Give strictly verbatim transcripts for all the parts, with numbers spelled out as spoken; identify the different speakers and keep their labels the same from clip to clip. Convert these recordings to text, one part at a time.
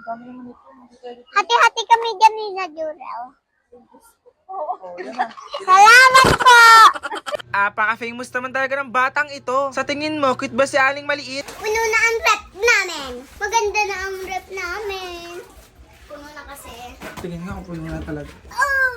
Speaker 1: Hati-hati kami dyan ni na Jurel. Salamat po!
Speaker 2: Apaka-famous naman talaga ng batang ito. Sa tingin mo, cute ba si Aling Maliit?
Speaker 1: Puno na ang rep namin. Maganda na ang rep namin. Puno na kasi.
Speaker 2: Tingin nga kung puno na talaga.
Speaker 1: Oh!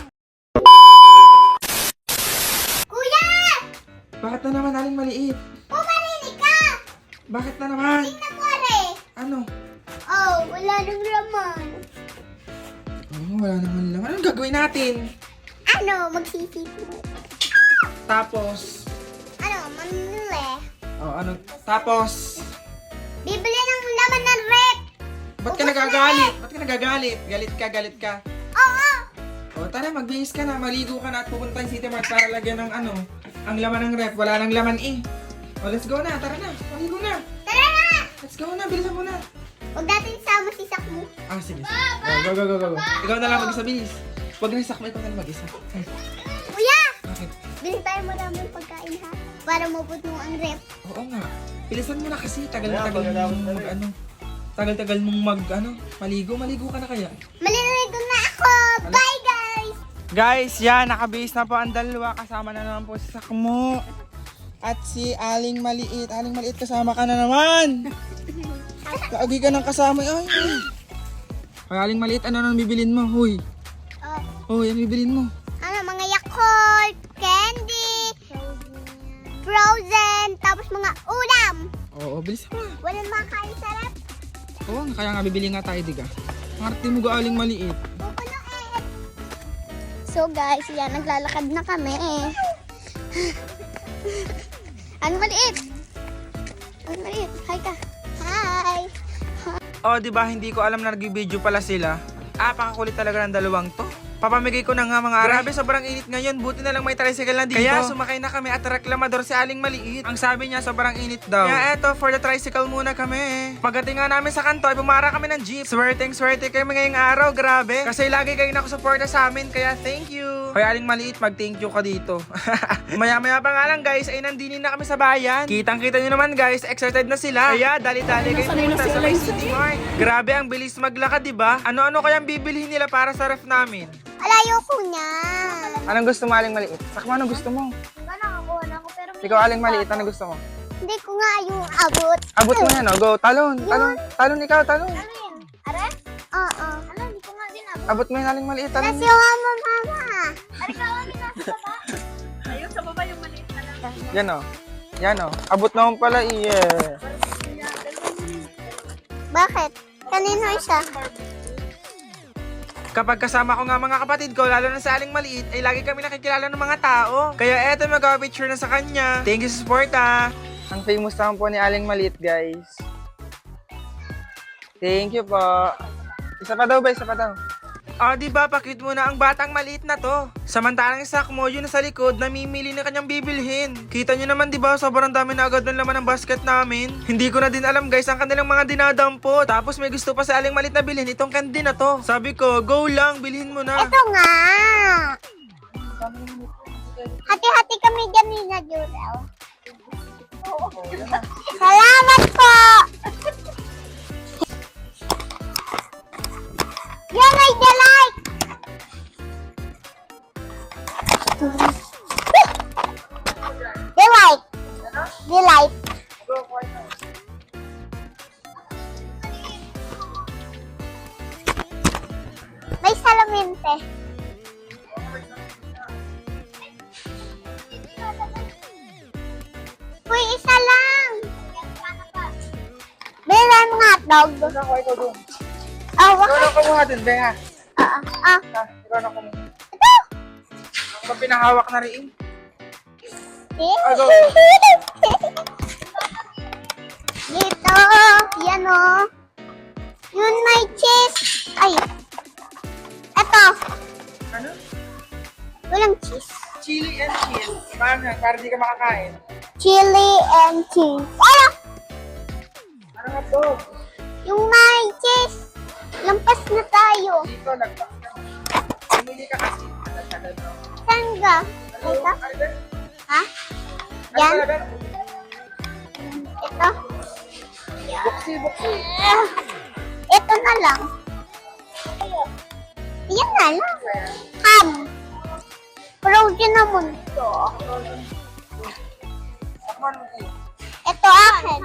Speaker 1: Kuya!
Speaker 2: Bakit na naman, Aling Maliit?
Speaker 1: Pumarinig ka!
Speaker 2: Bakit na naman?
Speaker 1: Tingnan mo rin.
Speaker 2: Ano?
Speaker 1: Oh, wala nang laman.
Speaker 2: Oh, wala naman lang. Anong gagawin natin?
Speaker 1: Ano, magsisip mo.
Speaker 2: Tapos,
Speaker 1: Ano, manili.
Speaker 2: oh, ano? Tapos,
Speaker 1: Bibili ng laman ng rep.
Speaker 2: ba't ka
Speaker 1: Ubus na
Speaker 2: nagagalit? Ba't ka nagagalit? Galit ka, galit ka.
Speaker 1: Oo.
Speaker 2: O, tara, magbihis ka na. Maligo ka na at pupunta yung City Mart para lagyan ng ano, ang laman ng ref. Wala nang laman eh. O, let's go na. Tara na. Maligo na.
Speaker 1: Tara na!
Speaker 2: Let's go na. Bilisan mo na.
Speaker 1: Huwag natin sama si Sakmo.
Speaker 2: Ah, sige. Go, go, go, go, go. Ikaw na lang mag-isa, bilis. Huwag na isakma, ikaw na lang mag-isa. Ay,
Speaker 1: Kuya!
Speaker 2: bakit?
Speaker 1: Bili tayo maraming pagkain ha. Para mabot mo ang rep.
Speaker 2: Oo nga. Bilisan mo na kasi. Tagal-tagal mong mag, ano. Tagal-tagal mong mag, ano. Maligo. Maligo ka na kaya.
Speaker 1: Maliligo na ako! Bye guys!
Speaker 2: Guys, yan. Nakabihis na po ang dalawa. Kasama na naman po si Sakmo. At si Aling Maliit. Aling Maliit, kasama ka na naman. Kaagi ka ng kasama. Ay, ay. Ay, Aling Maliit, ano nang bibilin mo? Huy.
Speaker 1: Oh,
Speaker 2: Huy, ano bibilin mo?
Speaker 1: ano, mga Yakult, candy, frozen, tapos mga ulam.
Speaker 2: Oo, bilis mo.
Speaker 1: Walang makain sa rep.
Speaker 2: Oo, kaya nga bibili nga tayo, diga. Marte mo ga, Aling Maliit.
Speaker 1: Pupuno eh. So guys, yan, naglalakad na kami eh. Ano maliit? Ano maliit? Hi ka. Hi.
Speaker 2: Oh, di ba hindi ko alam na nag-video pala sila. Ah, pakakulit talaga ng dalawang to. Papamigay ko na nga mga grabe, sobrang init ngayon. Buti na lang may tricycle na dito. Kaya sumakay na kami at reklamador si Aling Maliit. Ang sabi niya, sobrang init daw. Kaya eto, for the tricycle muna kami. Pagdating nga namin sa kanto, ay bumara kami ng jeep. Swerteng swerte kayo ngayong araw, grabe. Kasi lagi kayo nakusuporta sa amin, kaya thank you. Kaya Aling Maliit, mag-thank you ka dito. Maya-maya pa nga lang guys, ay nandinin na kami sa bayan. Kitang-kita nyo naman guys, excited na sila. Kaya dali-dali kayo pumunta sa may City Mart. Grabe, ang bilis maglakad, diba? Ano-ano kayang bibilhin nila para sa ref namin?
Speaker 1: Alayo ko niya.
Speaker 2: Anong gusto mo, Aling Maliit? Sakmo, anong gusto mo?
Speaker 1: Diba nakakuha na ako pero may...
Speaker 2: Ikaw, Aling Maliit, anong gusto mo?
Speaker 1: Hindi ko nga yung abot.
Speaker 2: Abot mo yan, oh. Go, talon, talon. Talon ikaw, talon.
Speaker 1: Ano yun? Are? Oo. Ano, hindi ko nga din abot.
Speaker 2: Abot mo yan, Aling Maliit, talon.
Speaker 1: Nasi yung mama, mama. Are ka, kami nasa baba.
Speaker 3: Ayun, sa baba yung maliit na lang.
Speaker 2: Yan, oh. Yan, oh. Abot na akong pala, yeah.
Speaker 1: Bakit? Kanino isa?
Speaker 2: Kapag kasama ko nga mga kapatid ko, lalo na sa Aling Maliit, ay lagi kami nakikilala ng mga tao. Kaya eto, mag-picture na sa kanya. Thank you sa support, ah. Ang famous naman po ni Aling Maliit, guys. Thank you po. Isa pa daw ba? Isa pa daw. Ah, di ba? Pakit mo na ang batang maliit na to. Samantalang yung Sakmo, yun na sa likod, namimili na kanyang bibilhin. Kita nyo naman, di ba? Sobrang dami na agad ng laman ng basket namin. Hindi ko na din alam, guys, ang kanilang mga dinadampo. Tapos may gusto pa sa Aling Maliit na bilhin itong candy na to. Sabi ko, go lang, bilhin mo na.
Speaker 1: Ito nga. Hati-hati kami dyan ni na Jurel. Salamat po! Yan ay delight! Delight! Delight! May salamin, te. Uy, isa lang! Bilan ng hotdog. Oh,
Speaker 2: Ikaw
Speaker 1: bakit?
Speaker 2: na kumuha din, Beha.
Speaker 1: Ah, ah.
Speaker 2: Ah, ikaw na kumuha.
Speaker 1: Ito!
Speaker 2: Ang pinahawak na rin.
Speaker 1: Eh?
Speaker 2: Ah, go.
Speaker 1: Dito, yan o. Yun may cheese. Ay. Ito.
Speaker 2: Ano?
Speaker 1: Walang cheese.
Speaker 2: Chili and cheese. Paano? Para di ka makakain.
Speaker 1: Chili and cheese. Ano?
Speaker 2: Ano nga to?
Speaker 1: Yung may cheese. Lampas na tayo.
Speaker 2: Dito, nagpas ka. Pumili ka kasi. Tagal-tagal na.
Speaker 1: Saan ka? Dito? Ha? Yan? Ito?
Speaker 2: Buksi, buksi.
Speaker 1: Ito Ito na lang. Yan na lang. Ham. Frozen naman to. Ito akin.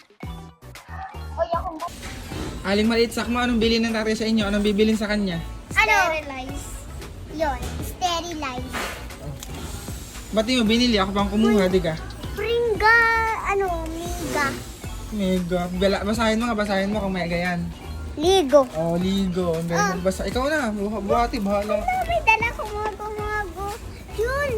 Speaker 2: Aling maliit, sakmo, anong bilhin ng tatay sa inyo? Anong bibilin sa kanya?
Speaker 1: Sterilize. Yun. Sterilize.
Speaker 2: Ba't di mo binili? Ako pang kumuha, di ka?
Speaker 1: Pringa. Ano? Miga.
Speaker 2: Mega. Bala, basahin mo nga, basahin mo kung mega yan.
Speaker 1: Ligo.
Speaker 2: Oh, ligo. Ang ganda basa. Ikaw na, buha- buhati, bahala.
Speaker 1: Ano, may dala ko mago-mago. Yun.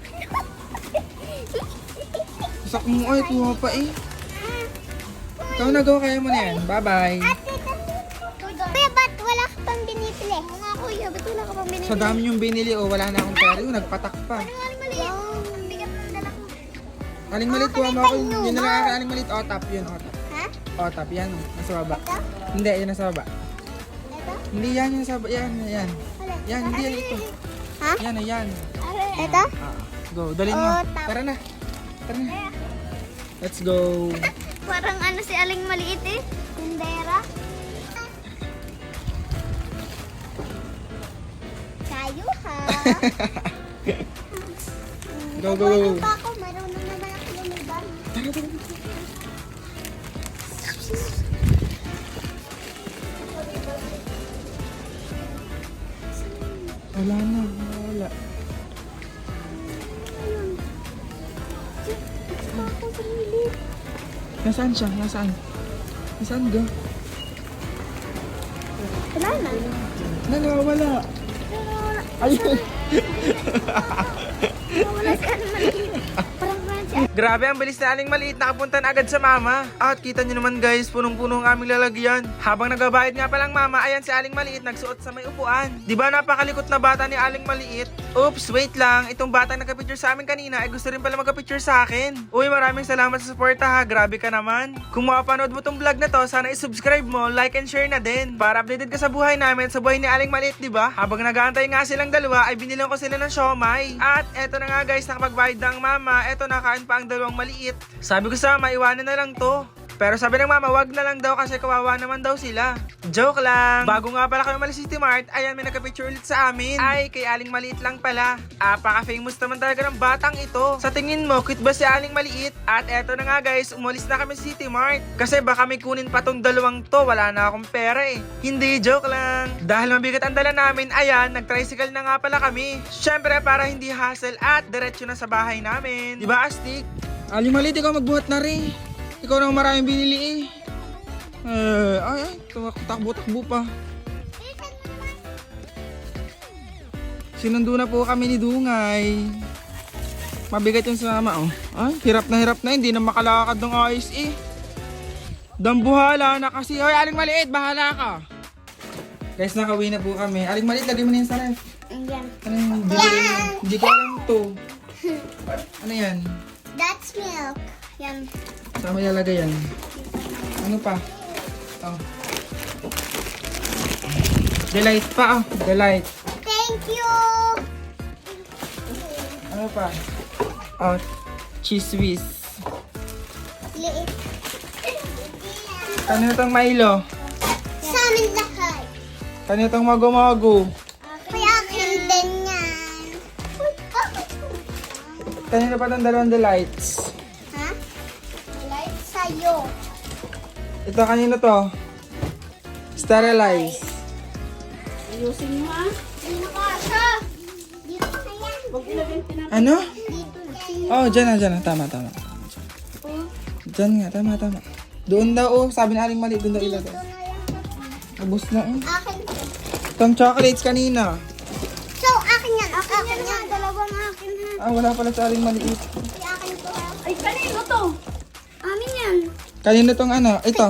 Speaker 2: Sakmo, ay, kuha pa eh. Ikaw na, go, kaya mo na yan. Bye-bye.
Speaker 1: Ate, kuya, ba't wala ka pang binibili? Mga kuya, ba't wala ka pang binibili?
Speaker 2: Sa dami yung binili, oh, wala na akong pera. Yung nagpatak pa.
Speaker 1: Ano nga mali? Ang bigat ng dala ko.
Speaker 2: Aling malit, kuha mo ako. Yun na lang akin, aling malit. Oh, tap yun, oh, tap.
Speaker 1: Ha?
Speaker 2: Oh, tap, yan. Nasa baba.
Speaker 1: Ito?
Speaker 2: Hindi, yan nasa baba.
Speaker 1: Ito?
Speaker 2: Hindi, yan, yan nasa baba. Yan, yan.
Speaker 1: Wala.
Speaker 2: Yan, hindi yan ito.
Speaker 1: Ha?
Speaker 2: Yan, yan.
Speaker 1: Ito?
Speaker 2: Ah, go, dalhin mo.
Speaker 1: Oh, tap.
Speaker 2: Tara na. Tara na. Let's go.
Speaker 1: Parang ano si Aling maliit eh. Tindera. Kayo ha.
Speaker 2: Go, go, go.
Speaker 1: Ano pa ako? Marunong naman ako lumiban.
Speaker 2: Tara, tara. Wala na, wala.
Speaker 1: Ako sa lilit.
Speaker 2: Nasaan siya? Nasaan? Nasaan ga?
Speaker 1: Wala na.
Speaker 2: Nagawala. Ayun.
Speaker 1: Wala si Aling maliit. Parang parang si
Speaker 2: Grabe, ang bilis na Aling maliit, nakapunta na agad sa mama. At kita nyo naman guys, punong-puno ang aming lalagyan. Habang nagabayad nga palang mama, ayan si Aling maliit nagsuot sa may upuan. Diba napakalikot na bata ni Aling maliit? Oops, wait lang. Itong bata nagka-picture sa amin kanina ay gusto rin pala magka-picture sa akin. Uy, maraming salamat sa suporta ha. Grabe ka naman. Kung mapapanood mo tong vlog na to, sana i-subscribe mo, like and share na din. Para updated ka sa buhay namin, sa buhay ni Aling maliit, diba? Habang nag-aantay nga silang dalawa, ay binilang ko sila ng siomay. At eto na nga guys, nakapagbayad na ang mama. Eto, nakain pa ang dalawang maliit. Sabi ko sa mama, iwanan na lang to. Pero sabi ng mama, wag na lang daw kasi kawawa naman daw sila. Joke lang. Bago nga pala kami umalis sa City Mart, ayan may nagka-picture ulit sa amin. Ay, kay Aling maliit lang pala. Apaka-famous naman talaga ng batang ito. Sa tingin mo, cute ba si Aling maliit? At eto na nga guys, umalis na kami sa City Mart. Kasi baka may kunin pa tong dalawang to, wala na akong pera eh. Hindi, joke lang. Dahil mabigat ang dala namin, ayan, nag-tricycle na nga pala kami. Syempre para hindi hassle at diretso na sa bahay namin. Diba, Astig? Aling maliit, ikaw magbuhat na rin. Ikaw nang maraming binili eh. Eh, ay, ay, takbo-takbo pa. Sinundo na po kami ni Dungay. Mabigat yung sa mama, oh. Ay, hirap na hirap na, hindi na makalakad ng ayos eh. Dambuhala na kasi. Hoy, Aling maliit, bahala ka. Guys, nakauwi na po kami. Aling maliit, lagay mo na yan sa ref.
Speaker 1: Ayan.
Speaker 2: Ano yung binili mo? Hindi ko alam to. Ano yan?
Speaker 1: That's milk. Yan.
Speaker 2: Saan mo ilalagay yan? Ano pa? Oh. Delight pa, oh. Delight.
Speaker 1: Thank you.
Speaker 2: Ano pa? Oh, cheese whiz.
Speaker 1: Liit.
Speaker 2: Kanino tong Milo?
Speaker 1: Sa amin lahat.
Speaker 2: Kanino tong mago-mago?
Speaker 1: Kaya akin din yan. Uy, bakit?
Speaker 2: Kanino pa tong dalawang delights?
Speaker 1: Ha? Light sa'yo.
Speaker 2: Ito, kanino to? Sterilize.
Speaker 3: Ayusin mo ha.
Speaker 1: Dito ka siya. Dito na yan.
Speaker 3: Huwag ilagay tinapay.
Speaker 2: Ano?
Speaker 1: Dito na.
Speaker 2: Oh, dyan na, dyan na. Tama, tama. Dyan nga, tama, tama. Doon daw, oh. Sabi ni Aling mali, doon daw ilagay.
Speaker 1: Dito na yan.
Speaker 2: Ubus na, eh.
Speaker 1: Akin.
Speaker 2: Itong chocolates kanina.
Speaker 1: So, akin yan. Akin, yan. Dalawang akin ha.
Speaker 2: Ah, wala pala sa Aling maliit.
Speaker 1: Si akin to ha.
Speaker 3: Ay, kanino to?
Speaker 1: Amin yan.
Speaker 2: Kanino tong ano? Ito.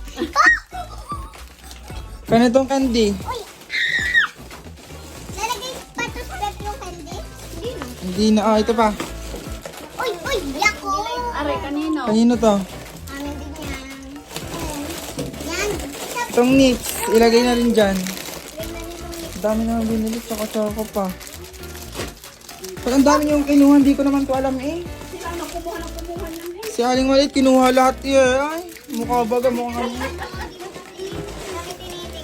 Speaker 2: Kanino tong candy?
Speaker 1: Uy. Lalagay pa to sa rep yung candy? Hindi na.
Speaker 2: Hindi na, oh. Ito pa.
Speaker 1: Uy, uy. Yako.
Speaker 3: Aray, kanino?
Speaker 2: Kanino to?
Speaker 1: Amin din yan. Ayan. Yan. Isa
Speaker 2: Itong nips. Ilagay na rin dyan.
Speaker 1: rin na nitong
Speaker 2: Ang dami na binili. Tsaka-tsaka pa. Pag ang dami niyong kinuha, hindi ko naman to alam eh.
Speaker 3: Sila na kumuha na kumuha lang eh.
Speaker 2: Si Aling maliit, kinuha lahat eh. Ay, mukha baga, mukha kami.
Speaker 1: Bakit tinitin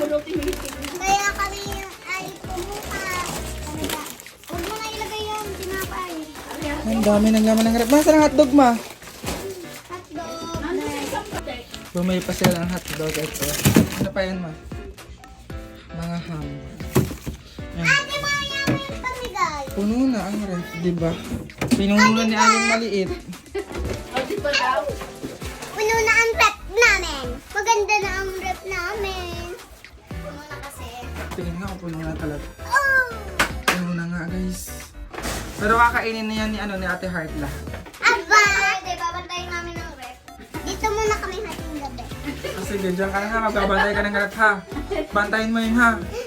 Speaker 3: Pulutin mo yung tingin.
Speaker 1: Kaya kami ay pumuka. Ano ba? Huwag mo na ilagay yung tinapay.
Speaker 2: Ang dami ng laman ng rep. Masa ng hotdog, ma?
Speaker 1: Hotdog.
Speaker 3: Ano sa isang patek?
Speaker 2: Bumili pa sila ng hotdog. Ito. Ano pa yan, ma? Mga ham. Yan.
Speaker 1: Ate, maya mo yung pamigay.
Speaker 2: Puno na ang ref, di ba? Pinuno na ni Aling maliit.
Speaker 3: O, di ba daw?
Speaker 1: Puno na ang rep namin. Maganda na ang rep namin. Puno na kasi.
Speaker 2: Tingin nga kung puno na talaga.
Speaker 1: Oh!
Speaker 2: Puno na nga, guys. Pero kakainin na yan ni, ano, ni Ate Heart lahat.
Speaker 1: Aba! Pwede, babantayin namin ang rep. Dito muna kami hating gabi.
Speaker 2: Ah, sige, dyan ka na ha. Magbabantay ka ng ref ha. Bantayin mo yun ha.